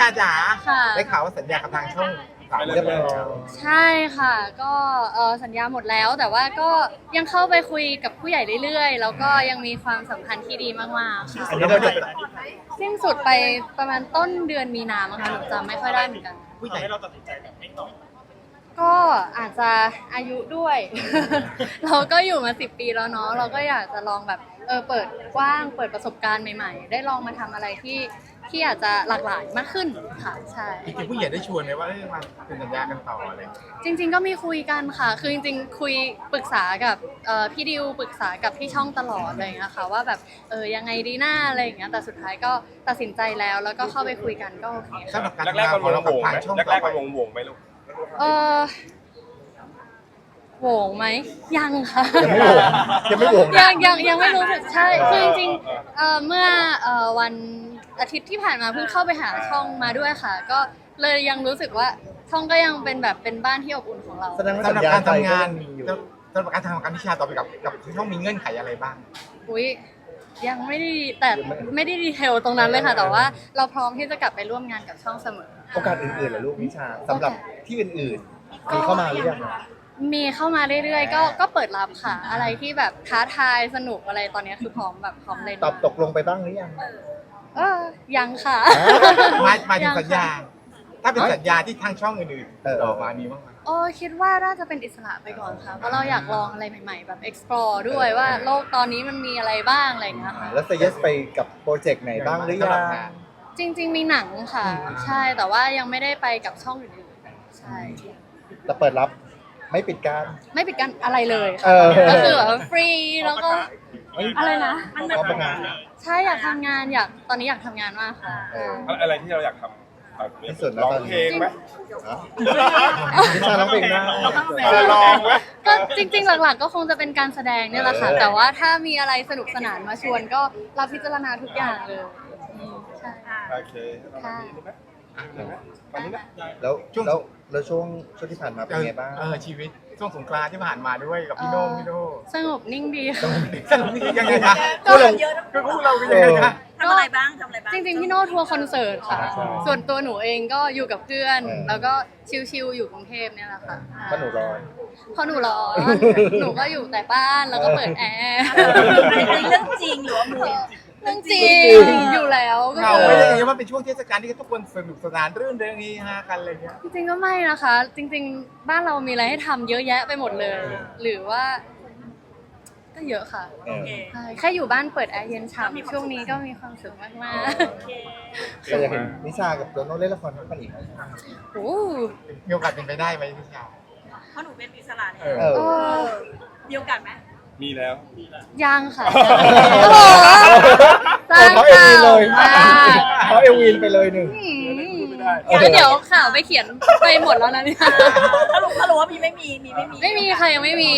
จ๋าค่ะได้ข่าวว่าสัญญากับทางช่องสามเรียบร้อยแล้วใช่ค่ะก็สัญญาหมดแล้วแต่ว่าก็ยังเข้าไปคุยกับผู้ใหญ่เรื่อยๆแล้วก็ยังมีความสัมพันธ์ที่ดีมากๆค่ะอันนี้เราจะสิ้นสุดไปประมาณต้นเดือนมีนาคมค่ะหนูจำไม่ค่อยได้เหมือนกันผู้ใหญ่ให้เราตัดสินใจแบบไม่ตอบก็อาจจะอายุด้วย เราก็อยู่มา10 ปีแล้วเนาะเราก็อยากจะลองแบบเปิดกว้างเปิดประสบการณ์ใหม่ๆได้ลองมาทำอะไรที่อาจจะหลากหลายมากขึ้นค่ะใช่จริงๆผู้ใหญ่ได้ชวนไหมว่ามาเป็นสัญญากันต่ออะไรจริงๆก็มีคุยกันค่ะคือจริงๆคุยปรึกษากับพี่ดิวปรึกษากับพี่ช่องตลอดอะไรอย่างเงี้ยค่ะว่าแบบยังไงดีหน้าอะไรอย่างเงี้ยแต่สุดท้ายก็ตัดสินใจแล้วก็เข้าไปคุยกันก็โอเคค่ะสำหรับการแรกๆมันของเราวกับงๆทางไหมช่องแรต่อกๆไปมันวงๆไหมลูกเออโหวงไหมยังค่ะยังไม่โหวงนะยังไม่รู้สึกใช่คือจริงๆเมื่อวันอาทิตย์ที่ผ่านมาเพิ่งเข้าไปหาช่องมาด้วยค่ะ ก็เลยยังรู้สึกว่าช่องก็ยังเป็นแบบเป็นบ้านที่อบอุ่นของเราแสดงว่าสำหรับการทำงานมีอยู่สำหรับการทำงานวิชาต่อไปกับช่องมีเงื่อนไขอะไรบ้างอุ้ยยังไม่ได้แต่ไม่ได้ดีเทลตรงนั้นเลยค่ะ แต่ว่าเราพร้อมที่จะกลับไปร่วมงานกับช่องเสมอโอกาสอื่นๆเหรอลูกนิชาสำหรับที่อื่นๆมีเข้ามาหรือยังมีเข้ามาเรื่อยๆก็เปิดรับค่ะ อะไรที่แบบท้าทายสนุกอะไรตอนนี้คือพร้อมแบบพร้อมเลยตอบตกลงไปบ้างหรือยังยังค่ะมาถึงสัญญา ถ้าเป็นสัญญาที่ทางช่องอื่นๆออกมามีบ้างไหมคิดว่าน่าจะเป็นอิสระไปก่อนค่ะ เพราะเราอยากลองอะไรใหม่ๆ แบบ explore ด้วยว่าโลกตอนนี้มันมีอะไรบ้างอะไรอย่างเงี้ยค่ะแล้วเซเยสไปกับโปรเจกต์ไหนบ้างหรือยังจริงๆมีหนังค่ะ ใช่แต่ว่ายังไม่ได้ไปกับช่องอื่นๆใช่แต่เปิดรับไม่ปิดการไม่ปิดกั้นอะไรเลยเอค่ะอก็คือแบบฟรีแล้วก็อะไรนะเขาประกาศใช่อยากทำงานตอนนี้อยากทำงานมากค่ะอะไรที่เราอยากทำที่สุดแล้วร้องตอนนี้เพลงไหมนิชาร้องเพลงได้ลองไหมก็จริงๆหลักๆก็คงจะเป็นการแสดงเนี่ยแหละค่ะ แต่ว่าถ้ามีอะไรสนุกสนานมาชวนก็รับพิจารณาทุกอย่างเลยใช่โอเคค่ะวันนี้นะแล้วช่วงที่ผ่านมาเป็นไงบ้างชีวิตช่วงสงกรานต์ที่ผ่านมาด้วยกับพี่โน่สงบนิ่งดีค่ะสนุกนี่ยังไงคะก็คือพวกเราเป็นยังไงคะทำอะไรบ้างทำอะไรบ้างจริงๆพี่โน่ทัวร์คอนเสิร์ตค่ะใช่ส่วนตัวหนูเองก็อยู่กับเพื่อนเออแล้วก็ชิลๆอยู่กรุงเทพเนี่ยแหละค่ะเพราะหนูร้อนเพราะหนูร้อนหนูก็อยู่แต่บ้านแล้วก็เปิดแอร์อันนี้เรื่องจริงหรือว่ามูเรื่องจริงอยู่แล้วก็เหงาคือไม่ได้ยังไงว่าเป็นช่วงเทศกาลที่ทุกคนสนุกสนานรื่นเริงเฮฮากันอะไรเงี้ยจริงๆก็ไม่นะคะ จริง ๆ บ้านเรามีอะไรให้ทำเยอะแยะไปหมดเลย หรือว่า ก็เยอะค่ะเออใช่แค่อยู่บ้านเปิดแอร์เย็นฉ่ำช่วงนี้ก็มีความสุขมากแต่อยากเห็นนิชากับโตโน่เล่นละครด้วยกันอีกไหมๆโอ้มีโอกาสเป็นไปได้ไหมพี่ชาวเพราะหนูเป็นอิสระเนี่ยเออเออมีโอกาสไหมมีแล้วยังค่ะโอ้โหสร้างเขาเอข่าวีนเลวย มากเขาเอวีนไปเลยหนึ่งแล้วเดี๋ยวข่าวไปเขียนไปหมดแล้วนะเนี่ยถ้ารู้ว่ามีไม่มีไม่มีไม่มีค่ะยังไม่มี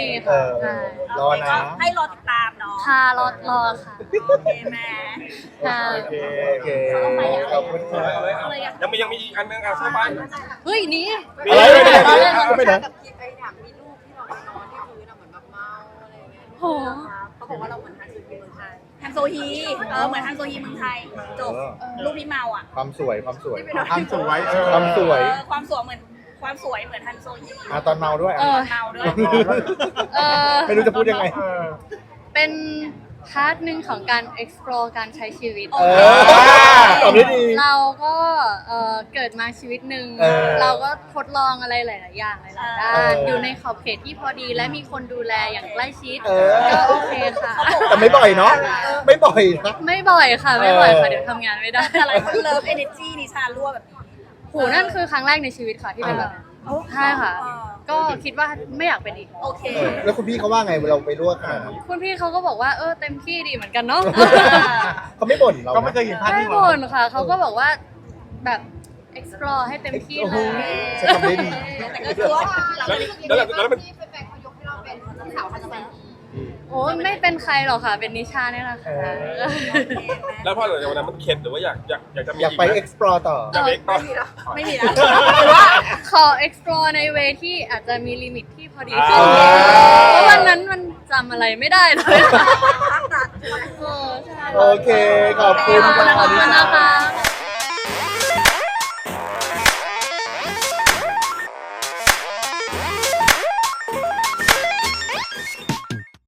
เอค่ะอใช่รอนะก็ให้รอติดตามเนาะค่ะรอค่ะโอเคแม่ค่ะโอเคขอบคุณค่ะยังมีอีกอันนึงอ่ะใช่ไหมเฮ้ยหนี่อะไรไปไหนกับคิดไอ้ถามมีรูปที่เราไปนอนที่พื้นอะเหมือนแบบเมาอะไรอย่างเงี้ยโหเขาบอกว่าเราเหมือนฮันซูกิเมืองไทยฮันโซฮีเหมือนฮันโซฮีเมืองไทยจบรูปพี่เมาอ่ะความสวยความสวยความสวยความสวยเหมือนฮันโซฮีตอนเมาด้วยเมาด้วยไม่รู้จะพูดยังไงเป็นพาร์ทหนึ่งของการ explore การใช้ชีวิตเออตอบได้ดีเราก็เกิดมาชีวิตหนึ่งเออเราก็ทดลองอะไรหลาย ๆ อย่างหลาย ๆ ด้าเอน ออยู่ในขอบเขตที่พอดีและมีคนดูแลอย่างใกล้ชิดเออก็โอเคค่ะแต่ไม่บ่อยเนาะ ไม่บ่อยนะไม่บ่อยค่ะ ไม่บ่อยค่ะเออเดี๋ยวทำงานไม่ได้แต่หลายคนเลิฟเอเนจีนิชารั่วแบบนี้โหนั่นคือครั้งแรกในชีวิตค่ะที่เป็นแบบนั้นใช่ค่ะ ก็คิดว่าไม่อยากเป็นอีกโอเคแล้วคุณพี่เขาว่าไงเราไปลวกขนาดนั้นคุณพี่เขาก็บอกว่าเต็มที่ดีเหมือนกันเนาะเขาไม่บ่นเราก็นะไม่เคยเห็นภาพไม่ที่บ่นค่ะ เขาก็บอกว่าแบบ explore ให้เต็มที่โอ้เลโหยใช้คำได้ดีแต่ก็คือว่าแล้วมันที่แฟนๆเขายกให้เราเป็นเจ้าสาวฮันซูกิโอ้ยไม่เป็นใครหรอกค่ะ เป็นนิชาเนี่ยแหละค่ะแล้วพอหลังจากวันนั้นมันเข็ดหรือว่าอยากจะมีอยากไป explore ต่ออยากไปต่อไม่มีแล้วหรือว่าขอ explore ในเวที่อาจจะมีลิมิตที่พอดีขึ้นอ่าเพราะวันนั้นมันจำอะไรไม่ได้เลยใช่โอเค ขอบคุณขอบคุณค่ะนะคะ